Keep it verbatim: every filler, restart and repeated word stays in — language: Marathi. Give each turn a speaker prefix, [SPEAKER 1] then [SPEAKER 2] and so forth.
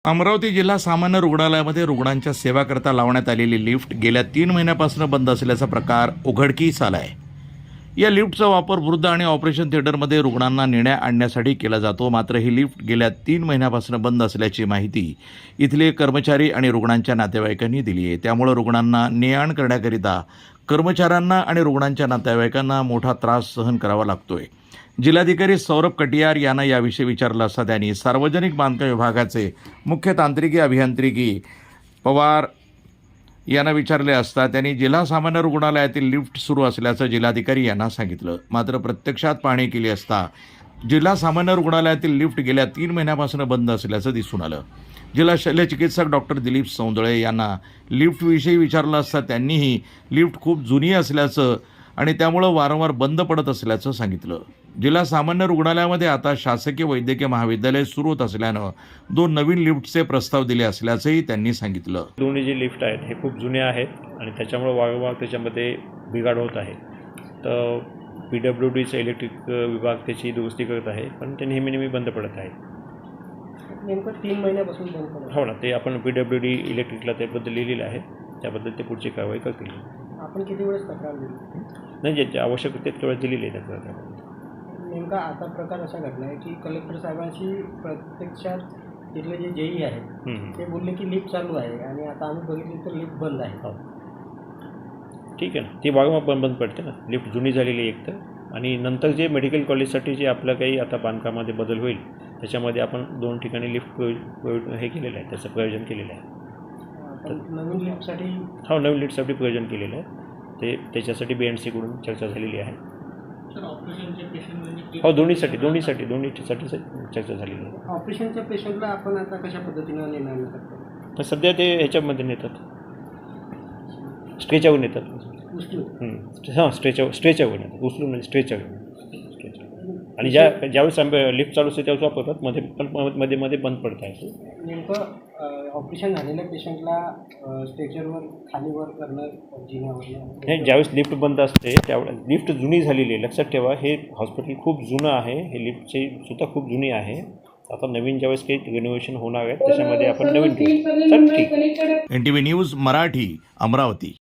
[SPEAKER 1] अमरावती जिल्हा सामान्य रुग्णालयामध्ये रुग्णांच्या सेवाकरता लावण्यात आलेली लिफ्ट गेल्या तीन महिन्यापासून बंद असल्याचा प्रकार उघडकीस आला आहे. या लिफ्टचा वापर वृद्ध आणि ऑपरेशन थिएटरमध्ये रुग्णांना नेण्या आणण्यासाठी केला जातो. मात्र ही लिफ्ट गेल्या तीन महिन्यापासून बंद असल्याची माहिती इथले कर्मचारी आणि रुग्णांच्या नातेवाईकांनी दिली आहे. त्यामुळे रुग्णांना ने आण करण्याकरिता कर्मचाऱ्यांना आणि रुग्णांच्या नातेवाईकांना मोठा त्रास सहन करावा लागतोय. जिल्हाधिकारी सौरभ कटियार यांना याविषयी विचारलं असता त्यांनी सार्वजनिक बांधकाम विभागाचे मुख्य तांत्रिकी अभियांत्रिकी पवार यांना विचारले असता त्यांनी जिल्हा सामान्य रुग्णालयातील लिफ्ट सुरू असल्याचं जिल्हाधिकारी यांना सांगितलं. मात्र प्रत्यक्षात पाहणी केली असता जिल्हा सामान्य रुग्णालयातील लिफ्ट गेल्या तीन महिन्यापासून बंद असल्याचं दिसून आलं. जिल्हा शल्यचिकित्सक डॉक्टर दिलीप सौंदळे यांना लिफ्टविषयी विचारलं असता त्यांनीही लिफ्ट खूप जुनी असल्याचं आणि त्यामुळं वारंवार बंद पडत असल्याचं सांगितलं. जिल्हा सामान्य रुग्णालयामध्ये आता शासकीय वैद्यकीय महाविद्यालय सुरू होत असल्यानं दोन नवीन लिफ्टचे प्रस्ताव दिले असल्याचंही त्यांनी सांगितलं.
[SPEAKER 2] दोन्ही जे लिफ्ट आहेत हे खूप जुने आहेत आणि त्याच्यामुळे वारंवार त्याच्यामध्ये बिघाड होत आहे. तर पी डब्ल्यू डीचं इलेक्ट्रिक विभाग त्याची दुरुस्ती करत आहे, पण ते नेहमी नेहमी बंद पडत आहे.
[SPEAKER 3] नेमकं तीन महिन्यापासून बंद पडत.
[SPEAKER 2] हो ना, ते आपण पी डब्ल्यू डी इलेक्ट्रिकला त्याबद्दल लिहिलेलं आहे. त्याबद्दल ते पुढची कारवाई करतील.
[SPEAKER 3] आपण किती वेळेस तक्रार दिली?
[SPEAKER 2] नाही, जे आवश्यक तितक्या वेळेस दिलेली आहे तक्रार.
[SPEAKER 3] नेमका आता प्रकार असा घडला आहे की कलेक्टर साहेबांशी प्रत्यक्षात तिथले जे जेई आहेत ते बोलले की लिफ्ट चालू आहे आणि आता आम्ही बघितली तर लिफ्ट बंद आहे.
[SPEAKER 2] हो, ठीक आहे ना, ती वारंवार बंद बंद पडते ना. लिफ्ट जुनी झालेली आहे एक तर, आणि नंतर जे मेडिकल कॉलेजसाठी जे आपलं काही आता बांधकामामध्ये बदल होईल त्याच्यामध्ये आपण दोन ठिकाणी लिफ्ट हे केलेलं आहे, त्याचं प्रयोजन केलेलं आहे.
[SPEAKER 3] नवीन लिफ्टसाठी
[SPEAKER 2] हो, नवीन लिफ्टसाठी प्रयोजन केलेलं आहे. ते त्याच्यासाठी बी एन सीकडून चर्चा झालेली आहे. हो, दोन्हीसाठी दोन्हीसाठी दोन्हीसाठी चर्चा झालेली आहे.
[SPEAKER 3] ऑपरेशनच्या पेशंटला आपण आता कशा पद्धतीनं निर्णय करतो?
[SPEAKER 2] तर सध्या ते ह्याच्यामध्ये नेतात, स्ट्रेचावर नेतात. हां, स्ट्रेचावर स्ट्रेचावर नेतात, उचलून म्हणजे स्ट्रेचावर स्ट्रेचावर आणि ज्या ज्यावेळेस आम्ही लिफ्ट चालू असते त्यावेळेस वापरतात. मध्ये पण मध्ये मध्ये बंद पडत आहे.
[SPEAKER 3] नेमकं ऑपरेशन झालेल्या पेशंटला स्ट्रेचरवर खालीवर करणं जिन्यावर
[SPEAKER 2] हे ज्यावेळेस लिफ्ट बंद असते त्यावेळेस लिफ्ट जुनी झालेली आहे. लक्षात ठेवा, हे हॉस्पिटल खूप जुनं आहे. हे लिफ्टची सुद्धा खूप जुनी आहे. आता नवीन ज्यावेळेस काही रिनोव्हेशन होणार आहे त्याच्यामध्ये आपण नवीन घेऊ. चल, ठीक.
[SPEAKER 1] N T V news Marathi, Amravati.